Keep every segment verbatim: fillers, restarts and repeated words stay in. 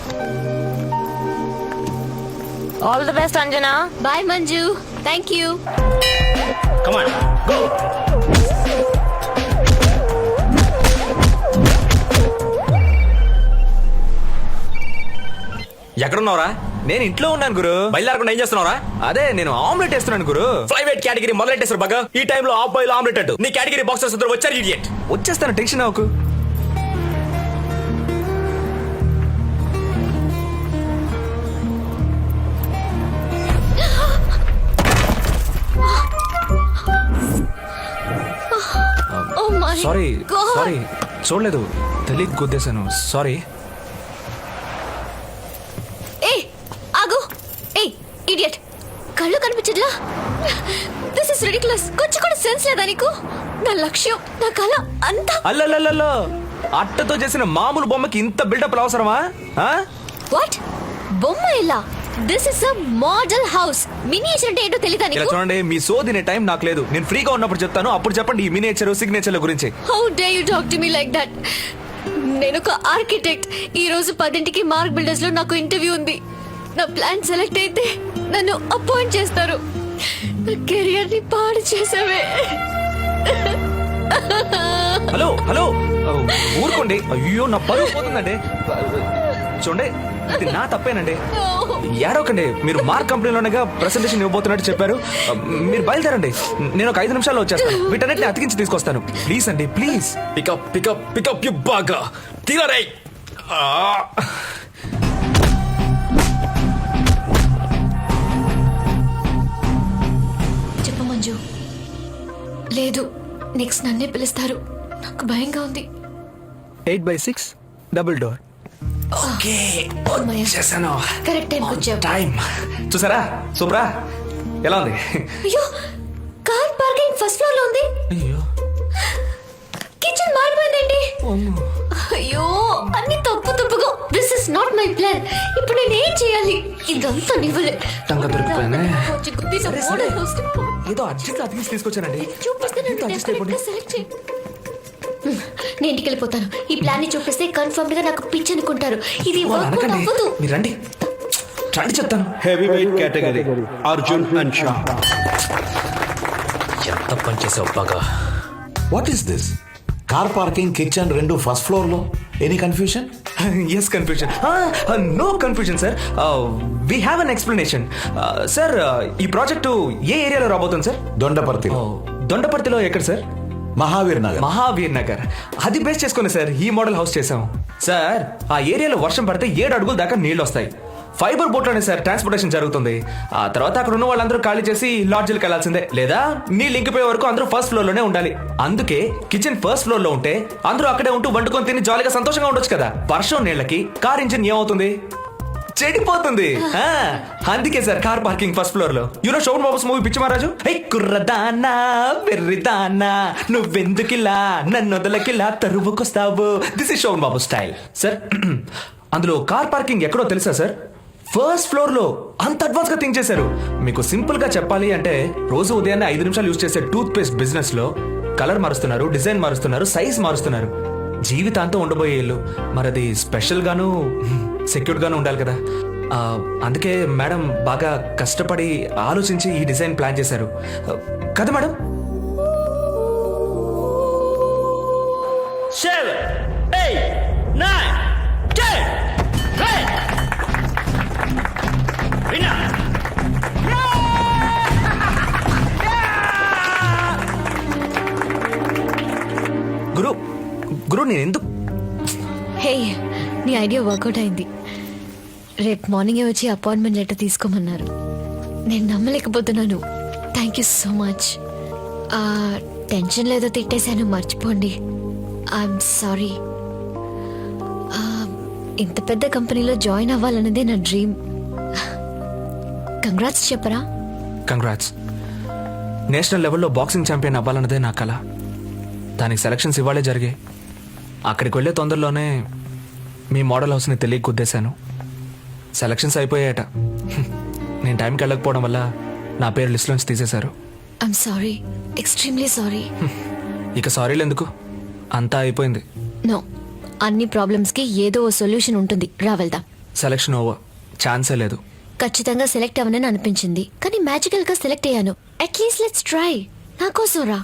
All the best, Anjana. Bye, Manju. Thank you. Come on, go. ఎక్కడున్నావురా? నేను ఇంట్లో ఉన్నాను గురు. బయలుదేరకుండా ఏం చేస్తున్నావురా? అదే నేను ఆమ్లెట్ వేస్తున్నాను గురు. ఫ్లైవేట్ కేటగిరీ మొదలెట్టేస్తారు బాగా. ఈ టైంలో హాఫ్ బాయిల్ ఆమ్లెట్ అట్టు. నీ కేటగిరీ బాక్సర్స్ ఇద్దరు వచ్చారు ఇడియట్. వచ్చేస్తాను, టెన్షన్ అవ్వకు. Oh my sorry God. Sorry చూడలేదు, తెలియక గుద్దేశాను. సారీ. ఏ ఆగు. ఏ ఇడియట్, కళ్ళు కనిపించట్లా? This is ridiculous. కొంచెం కూడా సెన్స్ లేదా నీకు? నా లక్ష్యం, నా కళ అంతా. అల్లల్లల్లో అట్టతో చేసిన మామూలు బొమ్మకి ఇంత బిల్డప్ అవసరమా? వాట్? బొమ్మ ఎలా? This is a model house. Miniature అంటే ఏంటో తెలీదా ఇలా నీకు? చూడండి, మీ సోదినే టైం నాకు లేదు. నేను ఫ్రీగా ఉన్నప్పుడు చెప్తాను, అప్పుడు చెప్పండి ఈ మినియేచర్ సిగ్నేచర్ల గురించి. How do you talk to me like that? నేను ఒక ఆర్కిటెక్ట్. ఈ రోజు పదింటికి మార్క్ బిల్డర్స్ లో నాకు ఇంటర్వ్యూ ఉంది. నా ప్లాన్ సెలెక్ట్ అయితే నన్ను అపాయింట్ చేస్తారు. నా కెరియర్ ని పాడు చేసావే. హలో హలో ఊరుకోండి. అయ్యో నా పరువు పోతుందండి. చూడండి, ఇది నా తప్పేనండి. ఏడవకండి. మీరు మార్క్ కంపెనీలోనేగా ప్రెసెంటేషన్ ఇవ్వబోతున్నట్టు చెప్పారు. మీరు బయలుదేరండి, నేను ఒక ఐదు నిమిషాల్లో వచ్చేస్తాను. వీటన్నిటిని అతికించి తీసుకొస్తాను. ప్లీజ్ అండి, please. Pick up pick up pick up you బాగా తీరరై. చెప్పు మంజు. లేదు, నెక్స్ట్ నన్నే పిలుస్తారు. నాకు భయంగా ఉంది. Eight by six double door. Okay వచ్చేసాను. కరెక్ట్ టైం వచ్చావు. టైం చూసారా? సూపరా? ఎలా ఉంది? అయ్యో, కార్ పార్కింగ్ ఫస్ట్ ఫ్లోర్ లో ఉంది. అయ్యో కిచెన్ మారిపోయిందండి. అయ్యో, అన్ని తప్పు తప్పుగా. This is not my plan. ఇప్పుడు నేను ఏం చేయాలి? ఇదంతా నివ్వలే. టంగ దొరికిపోయానే. కొంచెం గుర్తించు. మోడల్ హౌస్ ఏదో అర్జెంట్ అతికించి తీసుకొచ్చానండి. చూపిస్తే ఇంత adjust అయిపోండి. సెలెక్ట్ చేయి. నేను ఇంటికి వెళ్ళిపోతాను. ఈ ప్లాన్ ని చూపిస్తే కన్ఫర్మ్ గా నాకు పిచ్చి అనుకుంటారు. ఇది వాళ్ళు వర్కౌట్ అనకండి. అవ్వదు. మీరు రండి, రండి చెప్తాను. Heavyweight category, Arjun and Shah. ఎంత పని చేసావు బాగా. What is this? Car parking, kitchen రెండు ఫస్ట్ ఫ్లోర్ లో. Any confusion? Yes confusion. No confusion sir. We have an explanation. Sir, ఈ ప్రాజెక్టు ఏ ఏరియాలో రాబోతుంది సార్? దొండపర్తి, దొండపర్తిలో ఎక్కడ సార్? మహావీర్ నగర్. మహావీర్ నగర్. అది బేస్ చేసుకుని సార్ ఈ మోడల్ హౌస్ చేసాం. సార్, ఆ ఏరియాలో వర్షం పడితే ఏడు అడుగుల దాకా నీళ్లు వస్తాయి. ఫైబర్ బోట్ లోనే సార్ ట్రాన్స్పోర్టేషన్ జరుగుతుంది. ఆ తర్వాత అక్కడ ఉన్న వాళ్ళందరూ ఖాళీ చేసి లాడ్జ్లకు వెళ్లాల్సిందే, లేదా నీళ్ళు ఇంకిపోయే వరకు అందరూ ఫస్ట్ ఫ్లోర్ లోనే ఉండాలి. అందుకే కిచెన్ ఫస్ట్ ఫ్లోర్ లో ఉంటే అందరూ అక్కడే ఉంటూ వండుకొని తిని జాలీగా సంతోషంగా ఉండొచ్చు కదా. వర్షం నీళ్ళకి కార్ ఇంజిన్ ఏమవుతుంది? చెడిపోతుంది. ఆ, అందుకే sir car parking first floor లో. యూనో శోభన్ బాబుస్ మూవీ పిచ్చి మహారాజు. హే కుర్రదానా వెర్రిదానా నువ్వెందుకిలా నన్ను వదలకిలా తరువుకొస్తావు. This is Sobhan Babu style. Sir, అందులో కార్ పార్కింగ్ ఎక్కడో తెలుసా సార్? ఫస్ట్ ఫ్లోర్ లో. అంత అడ్వాన్స్ గా థింక్ చేశారు. మీకు సింపుల్ గా చెప్పాలి అంటే, రోజు ఉదయాన్నే ఐదు నిమిషాలు యూజ్ చేసే టూత్ పేస్ట్ బిజినెస్ లో కలర్ మారుస్తున్నారు, డిజైన్ మారుస్తున్నారు, సైజ్ మారుస్తున్నారు. జీవితాంతం ఉండబోయే ఇల్లు మరది స్పెషల్ గాను సెక్యూర్డ్ గాను ఉండాలి కదా. ఆ, అందుకే మేడం బాగా కష్టపడి ఆలోచించి ఈ డిజైన్ ప్లాన్ చేశారు కదా madam. Seven, eight, nine, ten, ten. Winner. గురు గురు నేను ఎందుకు? హే, నీ ఐడియా వర్కౌట్ అయింది. రేపు మార్నింగే వచ్చి అపాయింట్మెంట్ లెటర్ తీసుకోమన్నారు. నేను నమ్మలేకపోతున్నాను. Thank you so much. Tension లేదో తిట్టేశాను, మర్చిపోండి. I'm sorry. ఇంత పెద్ద కంపెనీలో జాయిన్ అవ్వాలన్నదే నా డ్రీమ్. కంగ్రాట్స్ చెప్పరా? కంగ్రాట్స్. నేషనల్ లెవెల్లో బాక్సింగ్ ఛాంపియన్ అవ్వాలన్నదే నా కళ. దానికి సెలక్షన్స్ ఇవాళే జరిగాయి. అక్కడికి వెళ్ళే తొందరలోనే మీ మోడల్ హౌస్ని తెలియ కుద్దేశాను. సెలక్షన్స్ అయిపోయాయట. నేను టైంకి వెళ్ళకపోవడం వల్ల నా పేరు లిస్ట్లోంచి తీసేశారు. I'm sorry, extremely sorry. ఇక సారీలు ఎందుకు, అంతా అయిపోయింది. నో, అన్ని ప్రాబ్లమ్స్ కి ఏదో ఓ సొల్యూషన్ ఉంటుంది. రా వెళ్దాం. సెలక్షన్ ఓవర్, ఛాన్సే లేదు. ఖచ్చితంగా సెలెక్ట్ అవ్వనని అనిపించింది, కానీ మ్యాజికల్ గా సెలెక్ట్ అయ్యాను. At least let's try. నా కోసం రా.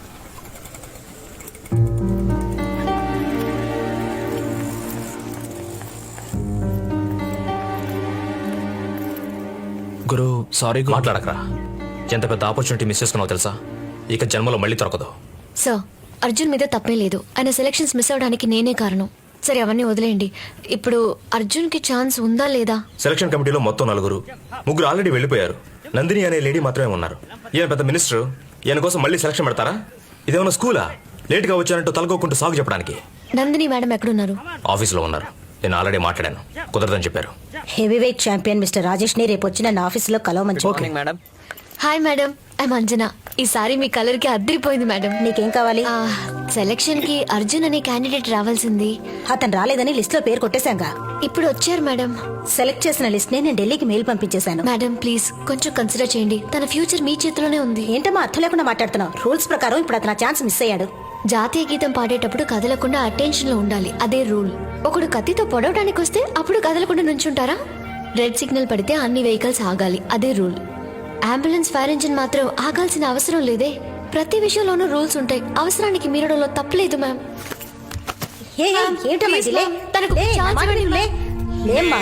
గురు సారీ గురు. మాట్లాడకరా. ఎంత పెద్ద ఆపర్చునిటీ మిస్ చేసుకున్నావు తెలుసా? ఇక జన్మలో మళ్ళీ దొరకదు. సార్, అర్జున్ మీద తప్పే లేదు. ఆయన సెలక్షన్స్ మిస్ అవడానికి నేనే కారణం. సరే అవన్నీ వదిలేయండి. ఇప్పుడు అర్జున్ కి ఛాన్స్ ఉందా లేదా? సెలక్షన్ కమిటీలో మొత్తం నలుగురు, ముగ్గురు ఆల్రెడీ వెళ్ళిపోయారు. నందిని అనే లేడీ మాత్రమే ఉన్నారు. ఈయన పెద్ద మినిస్టర్, ఈయన కోసం మళ్ళీ సెలక్షన్ పెడతారా? ఇదేమన్నా స్కూలా? లేట్ గా వచ్చానంటూ తలకోకుంటూ సాగు చెప్పడానికి. నందిని మేడం ఎక్కడున్నారు? ఆఫీసులో ఉన్నారు. నేను ఆల్రెడీ మాట్లాడాను, కుదరదని చెప్పారు. Heavy weight champion mister Rajesh ని రేపు వచ్చి నన్ను ఆఫీసులో కలవమని చెప్పు. Madam. Hi madam, I'm Anjana. ఈసారి మీ కలర్ కి అద్దరిపోయింది మేడం. నీకేం కావాలి? సెలక్షన్ కి అర్జున్ అనే క్యాండిడేట్ రావాల్సింది. అతను రాలేదని లిస్ట్ లో పేరు కొట్టేశాంగా. ఇప్పుడు వచ్చారు మేడం. సెలెక్ట్ చేసిన లిస్ట్ నే నేను ఢిల్లీకి మెయిల్ పంపించేశాను. మేడం ప్లీజ్ కొంచెం కన్సిడర్ చేయండి. తన ఫ్యూచర్ మీ చేతిలోనే ఉంది. ఏంటమ్మా అర్థం లేకుండా మాట్లాడుతున్నావు? రూల్స్ ప్రకారం ఇప్పుడు అతను ఛాన్స్ మిస్ అయ్యాడు. జాతీయ గీతం పాడేటప్పుడు కదలకుండా అటెన్షన్ లో ఉండాలి, అదే రూల్. ఒకడు కత్తితో పొడవడానికి వస్తే అప్పుడు కదలకుండా నుంచుంటారా? రెడ్ సిగ్నల్ పడితే అన్ని వెహికల్స్ ఆగాలి, అదే రూల్. అంబులెన్స్ ఫైర్ ఇంజిన్ మాత్రం ఆగాల్సిన అవసరం లేదే. ప్రతి విషయంలోనూ రూల్స్ ఉంటాయి. అవసరానికి మీరడంలో తప్పలేదు మ్యామ్. ఏ, ఏ, ఏంటమ్మా ఇది? లే. తనకు లే, ఛాన్స్ నా మాట ఇవ్వండి, లే. లేమ్మా.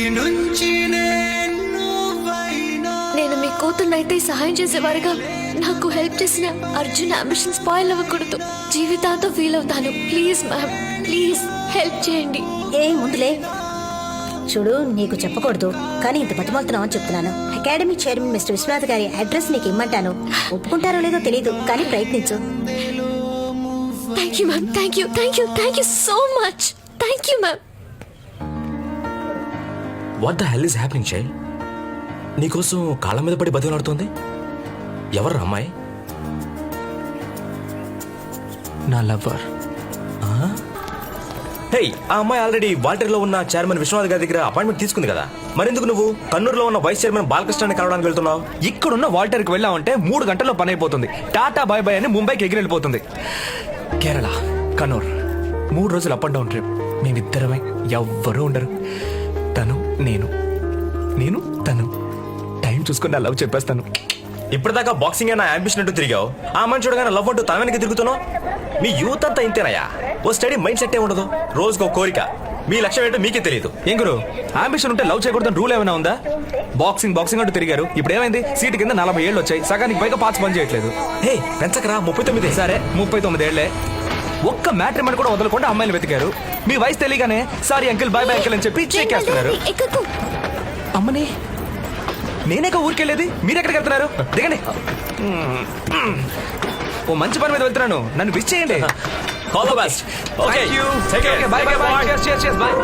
నేను మీ కూతురునైతే సహాయం చేసేవారుగా నాకు హెల్ప్ చేసిన అర్జున్ అంబిషన్ స్పాయిల్ అవ్వకూడదు. జీవితాంతో ఫీల్ అవుతాను. ప్లీజ్ మ్యామ్, ప్లీజ్ హెల్ప్ చేయండి. ఏ ముందులే. చూడు, నీకు చెప్పకూడదు కానీ ఇంత బతిమాలుతున్నావు అని చెప్తున్నాను. అకాడమీ చైర్మన్ మిస్టర్ విశ్వనాథ్ గారి అడ్రస్ నీకు ఇమ్మంటాను. ఒప్పుకుంటారో లేదో తెలియదు కానీ ప్రయత్నించు. Thank you ma'am, thank you, thank you, thank you so much. Thank you ma'am. What the hell is happening child? నీకోసం కాళ్ళ మీద పడి బతిలాడుతోంది ఎవరు అమ్మాయి? నా లవ్వర్. హే, ఆ అమ్మాయి ఆల్రెడీ వాల్టర్లో ఉన్న చైర్మన్ విశ్వనాథ్ గారి దగ్గర అపాయింట్మెంట్ తీసుకుంది కదా. మరెందుకు నువ్వు కన్నూరులో ఉన్న వైస్ చైర్మన్ బాలకృష్ణాన్ని కలవడానికి వెళ్తున్నావు? ఇక్కడున్న వాల్టర్కి వెళ్ళామంటే మూడు గంటల్లో పని అయిపోతుంది. టాటా బాయ్ బాయ్ అని ముంబైకి ఎగిరి వెళ్ళిపోతుంది. కేరళ, కన్నూర్, మూడు రోజులు అప్ అండ్ డౌన్ ట్రిప్. మేమిద్దరమే, ఎవ్వరూ ఉండరు. తను నేను, నేను తను. టైం చూసుకుని నా లవ్ చెప్పేస్తాను. ఇప్పటిదాకా బాక్సింగ్ నా అంబిషన్ అంటూ తిరిగావు. ఆ మనిషి చూడగానే లవ్ అంటూ తన వెనక్కి తిరుగుతున్నావు. మీ యూత్ అంతా ఇంతేనయ్యా. ఓ స్టడీ మైండ్ సెట్ ఏ ఉండదు. రోజుకో కోరిక. మీ లక్ష్యం ఏంటో మీకే తెలియదు. ఏం గురు, అంబిషన్ ఉంటే లవ్ చేయకూడదని రూల్ ఏమైనా ఉందా? బాక్సింగ్ బాక్సింగ్ అంటూ తిరిగారు. ఇప్పుడు ఏమైంది? సీటు కింద నలభై ఏళ్ళు వచ్చాయి. సగానికి పైగా పార్ట్స్ పని చేయట్లేదు. హే, పెంచకరా, ముప్పై తొమ్మిది. సరే, ముప్పై తొమ్మిది ఏళ్లే. ఒక్క మ్యాట్రిమోని కూడా వదలకుండా అమ్మాయిలు వెతికారు. మీ వయసు తెలియగానే sorry uncle, bye bye uncle అని చెప్పి చెక్కేస్తున్నారు. ఎక్కకు. అమ్మని, నేనేక ఊరికెళ్ళేది, మీరెక్కడికి వెళ్తున్నారు? దిగండి. ఓ మంచి పని మీద వెళ్తున్నాను, నన్ను విష్ చేయండి. All the best. Okay, Thank you. Take care. Okay, bye, bye, bye. Cheers, cheers, cheers, bye.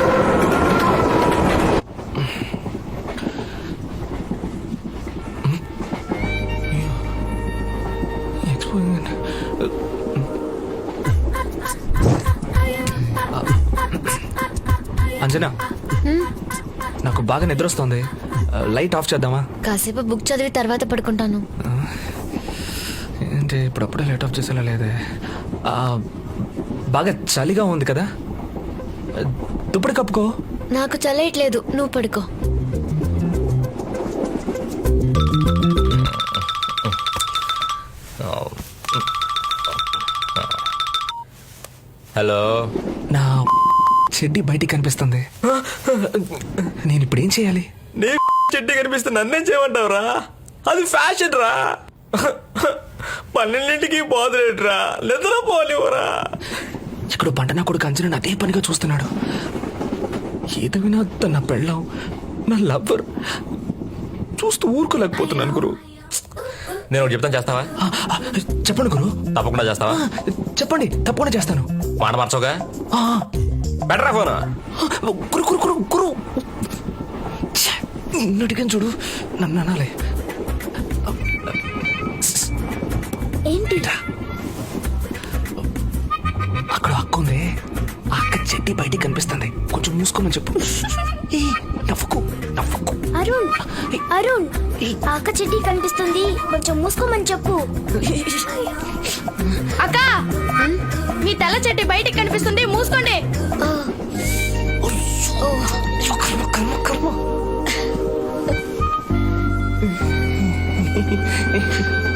Anjana, నాకు బాగా నిద్ర వస్తుంది. లైట్ ఆఫ్ చేద్దామా? కాసేపు బుక్ చదివి తర్వాత పడుకుంటాను. ఏంటి ఇప్పుడప్పుడే లైట్ ఆఫ్ చేసేలా లేదే. ఆ, బాగా చలిగా ఉంది కదా, దుప్పటి కప్పుకో. నాకు చల్లట్లేదు, నువ్వు పడుకో. హలో. నా చెడ్డి బయటికి కనిపిస్తుంది. నేను ఇప్పుడు ఏం చేయాలి? నీ చెట్టు కనిపిస్తే నన్నేం చేయమంటావురా? అది ఫ్యాషన్ రా. పన్నెండింటికి పోదులేట్రా, నిద్ర పోలేవురా. ఇక్కడ పంట నా కొడుకు అంజనా అదే పనిగా చూస్తున్నాడు. ఏది వినా తన పెళ్ళం, నా లవ్వర్ చూస్తూ ఊరుకోలేకపోతున్నాను గురు. నేను ఒకటి చెప్తాను, చేస్తావా? ఆ, ఆ, చెప్పండి గురు. తప్పకుండా చేస్తావా? ఆ, చెప్పండి, తప్పకుండా చేస్తాను. మాట మార్చోగా. ఆ, బెటరా ఫోన్. గురు గురు గురు గురు అడిగాను చూడు, నన్ను అనాలి. ఏంటి? అక్కడ అక్క ఉంది. ఆ అక్క చెడ్డి బయటికి కనిపిస్తుంది. కొంచెం మూసుకోమని చెప్పు. ఏ, నవ్వుకు నవ్వుకు. అరుణ్, అరుణ్, అక్క చెడ్డి కనిపిస్తుంది, కొంచెం మూసుకోమని చెప్పు. అక్క, మీ తెల్ల చెట్టు బయటికి కనిపిస్తుంది, మూసుకోండి. ఆ, ఓ, హాయ్